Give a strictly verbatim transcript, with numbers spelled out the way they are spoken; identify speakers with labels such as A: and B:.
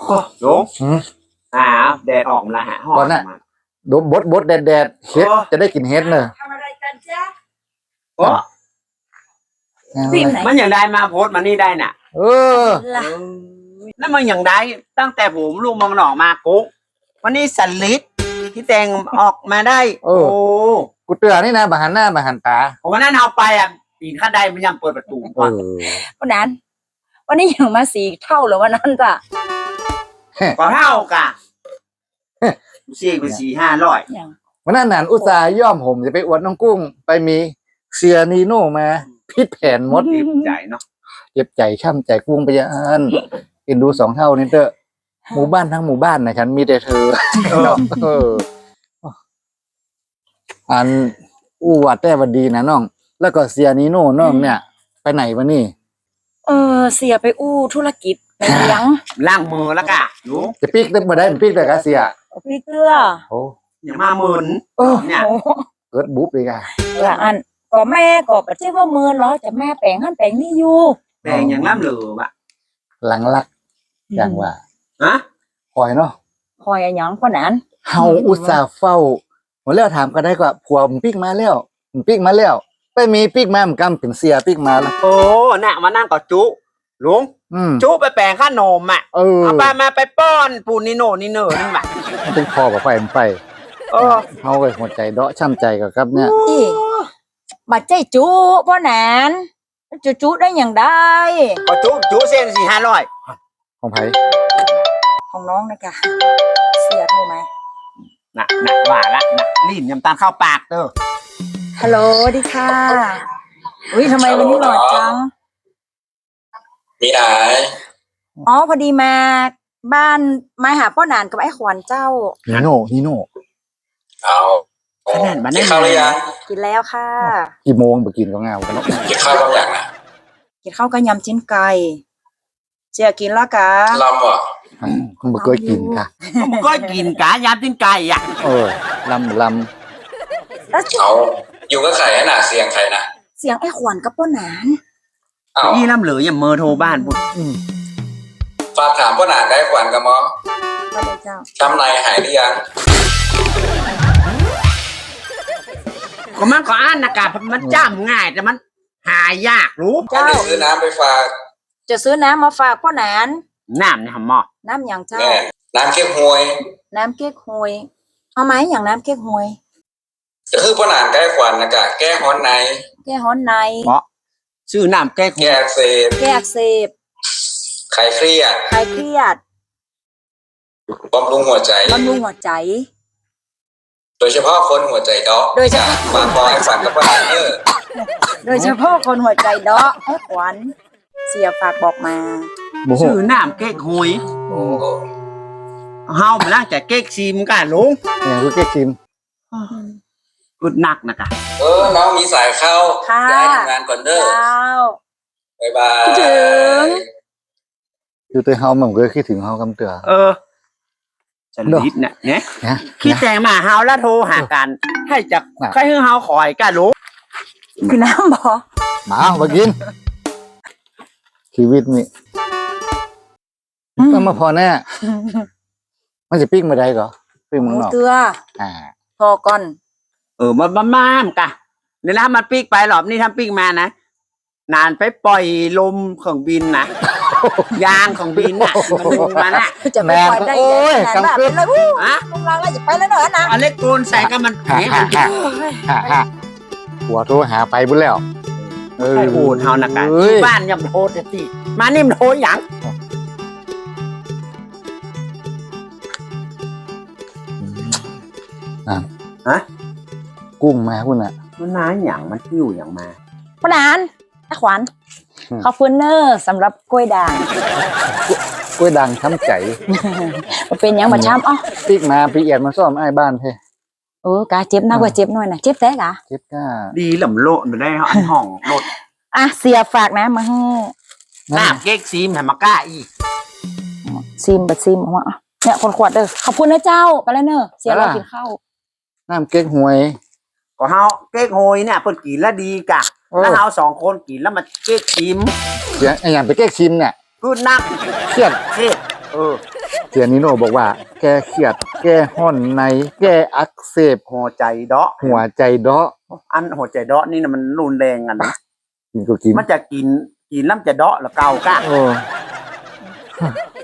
A: ลุงอ่าแดดออกมาหาห้องก่อนนะ
B: ดมบดบดแดดแดดเฮ็ดจะได้กินเฮ็ดเนอะ
C: ทำอะไรกันจ๊ะ
A: โอ้มันอย่างได้มาโพสมันนี่ได้น่ะ
B: เออ
A: แล้วมันอย่างได้ตั้งแต่ผมลุงมันออกมากุ๊กวันนี้สันลิดที่แต่งออกมาได้โอ้
B: กูเตือนนี่นะบาหันหน้าบาหันตา
A: วันนั้นเอาไปอ่ะปีนข้าได้มันยังเปิดประตูก่อน
C: วันนั้นวันนี้ยังมาสี่เท่าหรือวันนั้นจ้ะ
A: ก็เท่ากะสี่เป็นสี่ห้าร้อย
B: วันนั้นนันอุตส่าห์ย่อมผมจะไปอวดน้องกุ้งไปมีเซียนีโน่มาพิษแผนมด
A: เจ็บใจเนาะ
B: เจ็บใจช่ำใจกุ้งไปยันกินดูสองเท่านี้เด้อหมู่บ้านทั้งหมู่บ้านนะฉันมีแต่เธอเอออันอู้วัดแต่วันดีนะน้องแล้วก็เซียนีโน่น้องเนี่ยไปไหนวะนี่
C: เออเสียไปอู้ธุรกิจไปเลี้ยง
A: ล่างมือแล้วกะรู้
B: จะปีกได้มาได้ปีกได้กะเสีย
C: ปีกเกลือ
B: โอ้
A: อย่ามาหมื่นเนี่ย
B: เกิดบุ๊บเลยกะ
C: ละอันก็แม่ก็ปะเจ้าว่ามือเหรอจะแม่แปลงหั่นแปลงนี่อยู่
A: แปลงอย่างล้ำเหลือวะ
B: หลังลักอย่างว่า
A: ฮะ
B: คอยเนาะ
C: คอยอย่างคนนั้น
B: เฮาอุตส่าห์เฝ้าหมดแล้วถามก็ได้ก็ผัวมันปีกมาแล้วมันปีกมาแล้วไปมีปีกมามันกำเป็นเสียปีกมาแล้ว
A: โอ้น่ะมานั่งกับจุลุงจุไปแปลงข้านมอ่ะเอาไปมาไปป้อนปูนิโนนิเนอร์นี่มา
B: เป็นคอกับไฟมันไป
A: เออ
B: เฮาเลยหัวใจเดาะช้ำใจกับครับเนี่ย
C: บัดใจจุพ่อแหนนจุจุได้อย่างได้
A: ก็จุจุเส้นสี่ห้าร้อย
B: ของไผ่
C: ของน้องนะกะเสียโทรไหม
A: น่ะน่ะว่าละน่ะลิ้นยำตาลเข้าปากเด้อ
C: ฮัลโหลดีค่ะอุ้ยทำไมวันนี้หล่อจัง
D: มีไหน
C: อ๋อพอดีมาบ้านมาหาพ่อหนานกับไอ้ขวัญเจ้า
B: ฮิโน่ฮิโน่
D: เอา
A: ขนาดบ้านได้
D: ข้าวหรือยัง
C: กินแล้วค่ะ
B: กี่โมงไปกินก็เงากันเนาะ
D: กินข้าวบางอย่างนะ
C: กินข้าวกับยำจิ้นไก่เจียกินแล้วกะ
D: ลำอ่ะ
B: คุณบ่เคยกินค่ะ
A: บ่เคยกินกะยำจิ้นไก่อ่ะ
B: เออลำลำ
D: เอาอยู่ก็ไข่ให้หนาเสียงใครนะ
C: เสียงไอ้ขวัญกับพ่อหนาน
A: นี่ลำเหลืออย่าเมอโทรบ้านปุ๊บ
D: ฝากถามพ่อหนานได้ขวัญกับมอ
C: ว่าเจ้า
D: ช้ำในหายหรือยัง
A: ก็มันก็อ่านนะกะมันจ้ำง่ายแต่มันหายากรู้
D: เจ้าซื้อน้ำไปฝาก
C: จะซื้อน้ำมาฝากพ่อหนาน
A: น้ำเนี่ยหมอ
C: น้ำอย่างเจ้า
D: น้ำเก๊กฮวย
C: น้ำเก๊กฮวยเอาไหมอย่างน้ำเก๊กฮวย
D: ก็คือพ่อหนานใกล้ขวัญนะกะแก้ฮ้อนใน
C: แก้ฮ้อนใน
A: เพราะชื่อน้ำแก้
D: แก้อักเสบ
C: แก้อักเสบ
D: คลายเครียด
C: คลายเครียด
D: บำรุงหัวใจ
C: บำรุงหัวใจ
D: โดยเฉพาะคนหัวใจเดาะ
C: โดยเฉพาะ
D: ฝากบอกให้ฝันกับพ่อหนานเออ
C: โดยเฉพาะคนหัวใจเดาะให้ขวัญเสียฝากบอกมา
A: ชื่อน้ำเก๊กฮวยเฮามาล้างแต่เก๊กซิมกันลุง
B: เนี่ยคือเก๊กซิม
A: อึดหนักนะกะ
D: เออน้องมีสายเข้าได้ทำงานก่อนเด้อบ๊ายบาย
C: คิดถึง
B: อยู่ตัวเฮามันก็คิดถึงเฮากำเตือ
A: เออฉันลิดเนี่ยเนี่ยคิดแต่งมาเฮาแล้วโทรหากันให้จักใครให้เฮาคอยกันลุง
C: คือน้ำบ่
B: มามากินชีวิตนี่ต้องมาพอแน่มันจะปิ้งมาได้เหรอปิ้งมึงหรอ
C: เกลืออ่าพอก่อน
A: เออมาบ้ามกะเดี๋ยวนะมันปิ้งไปหรอบนี่ทำปิ้งมานะนานไปปล่อยลมของบินนะยางของบินน่ะมันลงมาน่ะ
C: จะไปปล่อยได้ยังไงนะเป็นไรวู้ฮะลงรางแล้วจะไปแล้วเนอะนะ
A: อันเล็กโกนใส่ก็มันแข็ง
B: หัวโทรหาไปบุญแล้ว
A: เออโหดเฮานะกันบ้านยังโทษสิมานี่มันโทษหยังฮะ
B: กุ้งมาคุณอ่ะ
A: มันน้าหยังมันคิ้วหยังมา
C: พ่อหนานไอ้ขวัญขอบคุณเนอร์สำหรับกล้วยด่าง
B: กล้วยด่างช้ำใจ
C: มันเป็นยังมาช้ำอ๋อ
B: ปีกมาปีเอียดมาซ่อมไอ้บ้านเพ่
C: เออกาเจ็บนักกว่าเจ็บหน่อยนะเจ็บแท้กะ
B: เจ็บก้า
A: ดีหล่ำโลดมาได้อันห้องโลด
C: อ่ะเสียฝากนะมาให้
A: น้ำเก๊กซีมให้มาก้าอี
C: ซีมบัดซีมออกมาเนี่ยคนขวดเด้อขอบคุณนะเจ้าไปแล้วเนอะเสียเรากินข้าว
B: น้ำเก๊กฮวย
A: ก็เฮาเก๊กฮวยเนี่ยเพิ่นกินแล้วดีกะแล้วเฮาสองคนกินแล้วมันเก๊กชิม
B: เสียงไอ้อย่างไปเก๊กชิมเนี่ย
A: กูนัก
B: เครียด
A: เครียดเออ
B: เสียนิโนบอกว่า แก้เครียด แก้ห้อนใน แก้อักเสบ
A: หัวใจเดาะ
B: หัวใจเดาะ
A: อันหัวใจเดาะนี่นะมันรุนแรงกันนะ
B: กินก็กิน
A: มันจะกินกินแล้วมันจะเดาะแล้วเกากะ
B: โอ้